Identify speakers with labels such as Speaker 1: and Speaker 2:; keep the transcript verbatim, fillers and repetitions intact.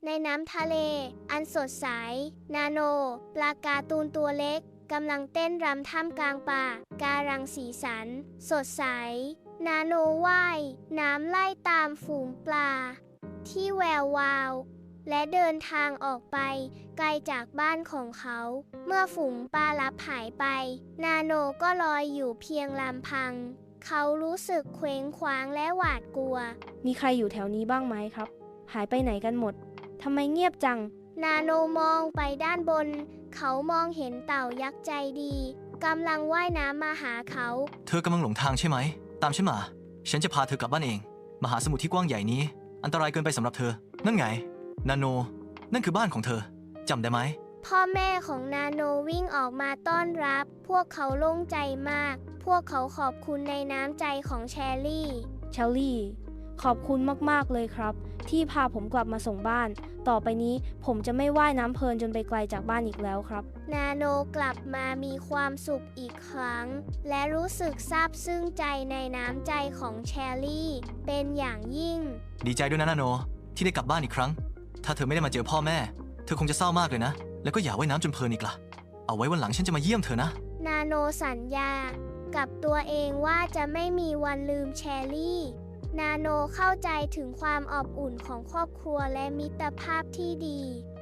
Speaker 1: ในน้ำทะเล อันสดใส นาโน ปลาการ์ตูนตัวเล็กกำลังเต้นรำท่ามกลางป่าการังสีสัน สดใส นาโนว่ายน้ำไล่ตามฝูงปลา ที่แวววาว และเดินทางออกไปไกลจากบ้านของเขา เมื่อฝูงปลาลับหายไป นาโนก็ลอยอยู่เพียงลำพัง เขารู้สึกเคว้งคว้างและหวาดกลัว
Speaker 2: มีใครอยู่แถวนี้บ้างไหมครับ หายไปไหนกันหมดทำไมเงียบจัง
Speaker 1: นาโนมองไปด้านบน เขามองเห็นเต่ายักษ์ใจดีกำลังว่ายน้ำมาหาเขา
Speaker 3: เธอกำลังหลงทางใช่ไหม ตามฉันมา ฉันจะพาเธอกลับบ้านเอง มหาสมุทรที่กว้างใหญ่นี้ อันตรายเกินไปสำหรับเธอ นั่นไง นาโน นั่นคือบ้านของเธอ จำได้ไหม
Speaker 1: พ่อแม่ของนาโนวิ่งออกมาต้อนรับ พวกเขาโล่งใจมาก พวกเขาขอบคุณในน้ำใจของแชร์รี่
Speaker 2: เชลลี่ ขอบคุณมากๆเลยครับ ที่พาผมกลับมาส่งบ้าน ต่อไปนี้ผมจะไม่ว่ายน้ำเพลินจนไปไกลจากบ้านอีกแล้วครับ
Speaker 1: นาโนกลับมามีความสุขอีกครั้ง และรู้สึกซาบซึ้งใจในน้ำใจของแชร์รี่เป็นอย่างยิ่ง
Speaker 3: ดีใจด้วยนะนาโน ที่ได้กลับบ้านอีกครั้ง ถ้าเธอไม่ได้มาเจอพ่อแม่ เธอคงจะเศร้ามากเลยนะ แล้วก็อย่าว่ายน้ำจนเพลินอีกล่ะ เอาไว้วันหลังฉันจะมาเยี่ยมเธอนะ
Speaker 1: นาโนสัญญากับตัวเองว่าจะไม่มีวันลืมแชร์รี่ นาโนเข้าใจถึงความอบอุ่นของครอบครัวและมิตรภาพที่ดี